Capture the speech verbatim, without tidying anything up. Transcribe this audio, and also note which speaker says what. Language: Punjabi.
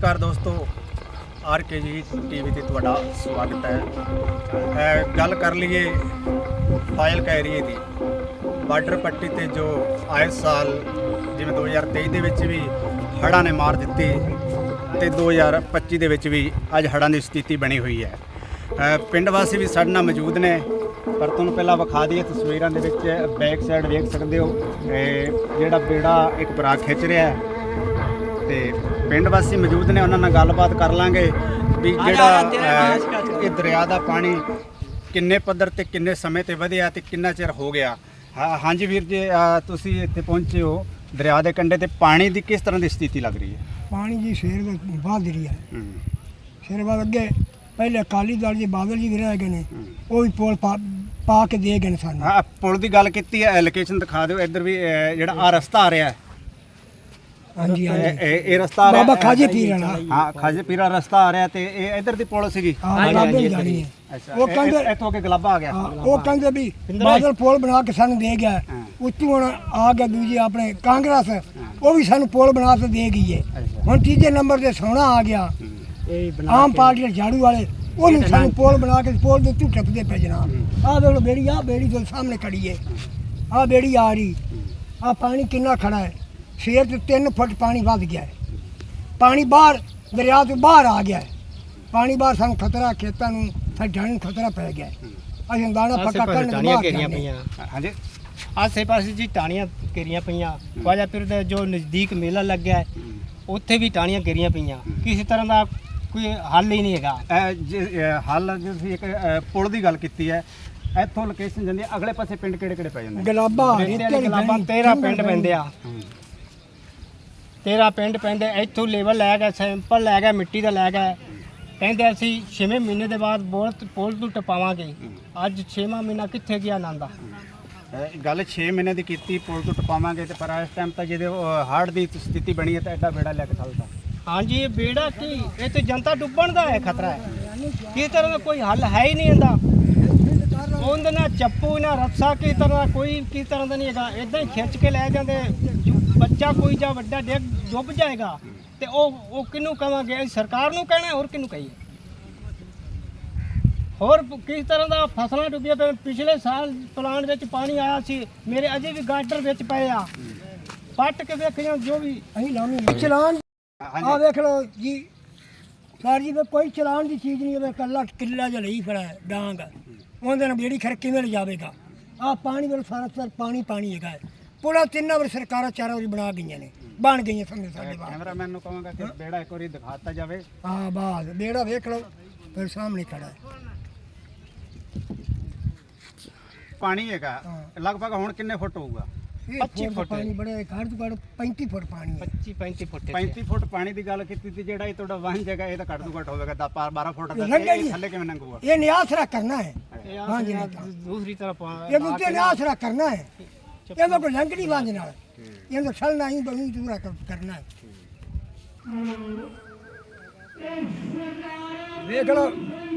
Speaker 1: नमस्कार दोस्तों, आर के जी टी वी ਤੇ ਤੁਹਾਡਾ ਸਵਾਗਤ ਹੈ। ਗੱਲ ਕਰ ਲਈਏ ਫਾਜ਼ਿਲਕਾ ਏਰੀਏ ਦੀ ਬਾਰਡਰ ਪੱਟੀ ਤੇ ਜੋ ਆਏ ਸਾਲ ਜਿਵੇਂ ਦੋ ਹਜ਼ਾਰ ਤੇਈ ਦੇ ਵਿੱਚ ਵੀ ਹੜ੍ਹਾਂ ਨੇ ਮਾਰ ਦਿੱਤੀ ਤੇ ਦੋ ਹਜ਼ਾਰ ਪੱਚੀ ਦੇ ਵਿੱਚ ਵੀ ਅੱਜ ਹੜ੍ਹਾਂ ਦੀ ਸਥਿਤੀ ਬਣੀ ਹੋਈ ਹੈ। ਪਿੰਡ ਵਾਸੀ ਵੀ ਸਾਡੇ ਨਾਲ ਮੌਜੂਦ ਨੇ, ਪਰ ਤੁਹਾਨੂੰ ਪਹਿਲਾਂ ਵਿਖਾ ਦਈਏ ਤਸਵੀਰਾਂ ਦੇ ਵਿੱਚ ਬੈਕ ਸਾਈਡ ਵੇਖ ਸਕਦੇ ਹੋ ਜਿਹੜਾ ਬੇੜਾ ਇੱਕ ਭਰਾ ਖਿੱਚ ਰਿਹਾ ਹੈ ਤੇ ਪਿੰਡ ਵਾਸੀ ਮੌਜੂਦ ਨੇ, ਉਹਨਾਂ ਨਾਲ ਗੱਲਬਾਤ ਕਰ ਲਾਂਗੇ ਵੀ ਜਿਹੜਾ ਇਹ ਦਰਿਆ ਦਾ ਪਾਣੀ ਕਿੰਨੇ ਪੱਧਰ ਤੇ ਕਿੰਨੇ ਸਮੇਂ ਤੇ ਵਧਿਆ ਤੇ ਕਿੰਨਾ ਚਿਰ ਹੋ ਗਿਆ। ਹਾਂ ਹਾਂਜੀ ਵੀਰ ਜੀ, ਤੁਸੀਂ ਇੱਥੇ ਪਹੁੰਚੇ ਹੋ ਦਰਿਆ ਦੇ ਕੰਢੇ ਤੇ, ਪਾਣੀ ਦੀ ਕਿਸ ਤਰ੍ਹਾਂ ਦੀ ਸਥਿਤੀ ਲੱਗ ਰਹੀ ਹੈ?
Speaker 2: ਪਾਣੀ ਜੀ ਸ਼ੇਰ ਵੱਧ ਰਹੀ ਹੈ। ਸ਼ੇਰ ਵੱਧ ਅੱਗੇ ਪਹਿਲੇ ਅਕਾਲੀ ਦਲ ਦੇ ਬਾਦਲ ਜੀ ਵੀ ਰਹਿ ਗਏ ਨੇ, ਉਹ ਵੀ ਪੁਲ ਪਾ ਪਾ ਕੇ ਦੇ ਗਏ ਨੇ ਸਾਨੂੰ।
Speaker 1: ਹਾਂ, ਪੁਲ ਦੀ ਗੱਲ ਕੀਤੀ ਹੈ, ਲੋਕੇਸ਼ਨ ਦਿਖਾ ਦਿਓ ਇੱਧਰ ਵੀ, ਜਿਹੜਾ ਆ ਰਸਤਾ ਆ ਰਿਹਾ ਹੈ।
Speaker 2: ਹਾਂਜੀ ਹਾਂਜੀ,
Speaker 1: ਇਹ ਰਸਤਾ ਆ ਰਿਹਾ
Speaker 2: ਬਾਬਾ ਖਾਜੇ ਪੀਰ ਵਾਲਾ।
Speaker 1: ਹਾਂ, ਖਾਜੇ ਪੀਰਾ ਰਸਤਾ ਆ ਰਿਹਾ ਤੇ ਇਹ ਇੱਧਰ ਦੀ ਪੁਲ ਸੀਗੀ।
Speaker 2: ਹਾਂ ਬਾਬੇ ਜਾਣੀ ਹੈ।
Speaker 1: ਅੱਛਾ,
Speaker 2: ਉਹ ਕਹਿੰਦੇ
Speaker 1: ਇੱਥੋਂ ਅੱਗੇ ਗਲਾਬਾ ਆ ਗਿਆ।
Speaker 2: ਉਹ ਕਹਿੰਦੇ ਵੀ ਬਾਦਲ ਪੁਲ ਬਣਾ ਕੇ ਸਾਨੂੰ ਦੇ ਗਿਆ, ਉੱਤੋਂ ਹੁਣ ਆ ਗਿਆ ਦੂਜੀ ਆਪਣੇ ਕਾਂਗਰਸ, ਉਹ ਵੀ ਸਾਨੂੰ ਪੁਲ ਬਣਾ ਕੇ ਦੇ ਗਈ ਹੈ। ਹੁਣ ਤੀਜੇ ਨੰਬਰ ਤੇ ਸੋਹਣਾ ਆ ਗਿਆ, ਆਮ ਪਾਰਟੀ ਦੇ ਝਾੜੂ ਵਾਲੇ, ਉਹਨੂੰ ਸਾਨੂੰ ਪੁਲ ਬਣਾ ਕੇ ਪੁਲ ਦੇ ਉੱਤੇ ਟੱਪਦੇ ਪਏ ਜਨਾਬ। ਆਹ ਦੇਖ ਲਓ ਬੇੜੀ, ਆਹ ਬੇੜੀ ਦੇ ਸਾਹਮਣੇ ਖੜੀ ਹੈ, ਆਹ ਬੇੜੀ ਆ ਰਹੀ, ਆਹ ਪਾਣੀ ਕਿੰਨਾ ਖੜਾ ਹੈ। ਸ਼ੇਰ ਤੇ ਤਿੰਨ ਫੁੱਟ ਪਾਣੀ ਵੱਧ ਗਿਆ ਹੈ, ਪਾਣੀ ਬਾਹਰ ਦਰਿਆ ਤੋਂ ਬਾਹਰ ਆ ਗਿਆ ਹੈ। ਪਾਣੀ ਬਾਹਰ ਸਾਨੂੰ ਖਤਰਾ, ਖੇਤਾਂ ਨੂੰ ਸਾਡਾ ਨੂੰ ਖਤਰਾ ਪੈ ਗਿਆ ਹੈ। ਅਸੀਂ ਦਾਣਾ ਪੱਕਾ ਕਰਨ ਦੇ ਬਾਅਦ
Speaker 3: ਘੇਰੀਆਂ ਪਈਆਂ।
Speaker 1: ਹਾਂਜੀ,
Speaker 3: ਆਸੇ ਪਾਸੇ ਜੀ ਟਾਣੀਆਂ ਘੇਰੀਆਂ ਪਈਆਂ। ਖਵਾਜਾਪੁਰ ਦਾ ਜੋ ਨਜ਼ਦੀਕ ਮੇਲਾ ਲੱਗਿਆ ਹੈ, ਉੱਥੇ ਵੀ ਟਾਣੀਆਂ ਘੇਰੀਆਂ ਪਈਆਂ। ਕਿਸੇ ਤਰ੍ਹਾਂ ਦਾ ਕੋਈ ਹੱਲ ਹੀ ਨਹੀਂ ਹੈਗਾ।
Speaker 1: ਹੱਲ ਜੇ ਤੁਸੀਂ ਇੱਕ ਪੁਲ ਦੀ ਗੱਲ ਕੀਤੀ ਹੈ, ਇੱਥੋਂ ਲੋਕੇਸ਼ਨ ਜਾਂਦੀ ਹੈ, ਅਗਲੇ ਪਾਸੇ ਪਿੰਡ ਕਿਹੜੇ ਕਿਹੜੇ ਪੈ ਜਾਂਦੇ?
Speaker 2: ਗਲਾਬਾ
Speaker 3: ਗਲਾਬਾਂ ਤੇਰਾਂ ਪਿੰਡ ਪੈਂਦੇ ਆ, ਤੇਰਾਂ ਪਿੰਡ ਪੈਂਦੇ। ਇੱਥੋਂ ਲੈਵਲ ਲੈ ਗਿਆ, ਸੈਂਪਲ ਲੈ ਗਿਆ, ਮਿੱਟੀ ਦਾ ਲੈ ਗਿਆ। ਕਹਿੰਦੇ ਅਸੀਂ ਛੇਵੇਂ ਮਹੀਨੇ ਦੇ ਬਾਅਦ ਬੋਲ ਪੁਲ ਤੋਂ ਟਪਾਵਾਂਗੇ। ਅੱਜ ਛੇਵਾਂ ਮਹੀਨਾ ਕਿੱਥੇ ਗਿਆ ਆਨੰਦਾ।
Speaker 1: ਗੱਲ ਛੇ ਮਹੀਨੇ ਦੀ ਕੀਤੀ, ਪੁਲ ਤੋਂ ਟਪਾਵਾਂਗੇ ਤੇ ਪਰ ਇਸ ਟਾਈਮ ਤਾਂ ਜਿਹਦੇ ਹੜ੍ਹ ਦੀ ਸਥਿਤੀ ਬਣੀ ਹੈ ਤਾਂ ਐਡਾ ਬੇੜਾ ਲੈ ਕੇ ਚੱਲਦਾ।
Speaker 3: ਹਾਂਜੀ, ਇਹ ਬੇੜਾ ਕੀ, ਇਹ ਤੇ ਜਨਤਾ ਡੁੱਬਣ ਦਾ ਹੈ ਖਤਰਾ ਹੈ। ਕਿਸ ਤਰ੍ਹਾਂ ਦਾ ਕੋਈ ਹੱਲ ਹੈ ਹੀ ਨਹੀਂ ਇਹਦਾ। ਉਹਦੇ ਨਾਲ ਚੱਪੂ ਨਾ ਰੱਸਾ, ਕਿਸ ਤਰ੍ਹਾਂ ਕੋਈ ਕਿਸ ਤਰ੍ਹਾਂ ਦਾ ਨਹੀਂ ਹੈਗਾ। ਇਦਾਂ ਹੀ ਖਿੱਚ ਕੇ ਲੈ ਜਾਂਦੇ, ਬੱਚਾ ਕੋਈ ਜਾਂ ਵੱਡਾ ਡਿੱਗ ਡੁੱਬ ਜਾਏਗਾ ਤੇ ਉਹ ਉਹ ਕਿਹਨੂੰ ਕਹਾਂਗੇ? ਅਸੀਂ ਸਰਕਾਰ ਨੂੰ ਕਹਿਣਾ, ਹੋਰ ਕਿਹਨੂੰ ਕਹੀਏ? ਹੋਰ ਕਿਸ ਤਰ੍ਹਾਂ ਦਾ ਫਸਲਾਂ ਡੁੱਬੀਆਂ ਪਈਆਂ। ਪਿਛਲੇ ਸਾਲ ਪਲਾਂਟ ਵਿੱਚ ਪਾਣੀ ਆਇਆ ਸੀ, ਮੇਰੇ ਅਜੇ ਵੀ ਗਾਡਰ ਵਿੱਚ ਪਏ ਆ, ਪੱਟ ਕੇ ਵੇਖਿਆ ਜੋ ਵੀ
Speaker 2: ਅਸੀਂ ਲਾਉਣੀ ਚਲਾਨ। ਆ ਵੇਖ ਲਓ ਜੀ ਸਰ ਜੀ, ਕੋਈ ਚਲਾਨ ਦੀ ਚੀਜ਼ ਨਹੀਂ ਹੈ। ਕੱਲਾ ਕਿੱਲਾ ਜਿਹਾ ਲਈ ਖੜਾ ਹੈ ਡਾਂਗ, ਉਹਦੇ ਨਾਲ ਬੇੜੀ ਖਰ ਕਿਵੇਂ ਲਿਜਾਵੇਗਾ? ਆਹ ਪਾਣੀ ਵੱਲ ਸਾਰਾ ਸਾਰ ਪਾਣੀ ਪਾਣੀ ਹੈਗਾ। ਪੁਲਾ ਤਿੰਨਾਂ ਵਾਰ ਸਰਕਾਰਾਂ ਚਾਰਾਂ ਵਾਰੀ ਬਣਾ ਗਈਆਂ ਨੇ, ਬਣ ਗਈਆਂ ਸਮਝੋ ਸਾਡੇ ਬਾਹਰ।
Speaker 1: ਕੈਮਰਾਮੈਨ ਨੂੰ ਕਹਾਂਗਾ ਕਿ ਬੇੜਾ ਇੱਕ ਵਾਰੀ ਦਿਖਾਤਾ ਜਾਵੇ।
Speaker 2: ਹਾਂ ਬਾਸ ਬੇੜਾ ਵੇਖ ਲਓ, ਫਿਰ ਸਾਹਮਣੇ ਖੜਾ ਹੈ
Speaker 1: ਪਾਣੀ ਹੈਗਾ ਲਗਭਗ ਹੁਣ ਕਿੰਨੇ ਫੁੱਟ ਹੋਊਗਾ?
Speaker 3: ਪੱਚੀ ਫੁੱਟ
Speaker 2: ਪਾਣੀ ਬੜੇ ਘੱਟ ਤੋਂ ਘੱਟ ਪੈਂਤੀ ਫੁੱਟ ਪਾਣੀ ਹੈ।
Speaker 3: ਪੱਚੀ ਪੈਂਤੀ ਫੁੱਟ
Speaker 1: ਪੈਂਤੀ ਫੁੱਟ ਪਾਣੀ ਦੀ ਗੱਲ ਕੀਤੀ ਤੇ ਜਿਹੜਾ ਇਹ ਤੁਹਾਡਾ ਵਾਹਨ ਜਗ੍ਹਾ ਇਹ ਤਾਂ ਘੱਟ ਤੋਂ ਘੱਟ ਹੋਵੇਗਾ ਦਸ ਬਾਰਾਂ ਫੁੱਟ ਦਾ। ਇਹ ਥੱਲੇ ਕਿਵੇਂ ਲੰਘੂਗਾ?
Speaker 2: ਇਹ ਨਿਆਸਰਾ ਕਰਨਾ ਹੈ। ਹਾਂਜੀ,
Speaker 3: ਦੂਸਰੀ ਤਰਫ
Speaker 2: ਇਹ ਉੱਤੇ ਨਿਆਸਰਾ ਕਰਨਾ ਹੈ। ਇਹਦਾ ਕੋਈ ਲੰਘਣੀ ਵਾਂਝ ਨਾਲ ਇਹਦਾ ਛਲਣਾ ਹੀ ਬਣੀ ਦੂਰਾ ਕਰਨਾ ਹੈ। ਵੇਖ ਲਓ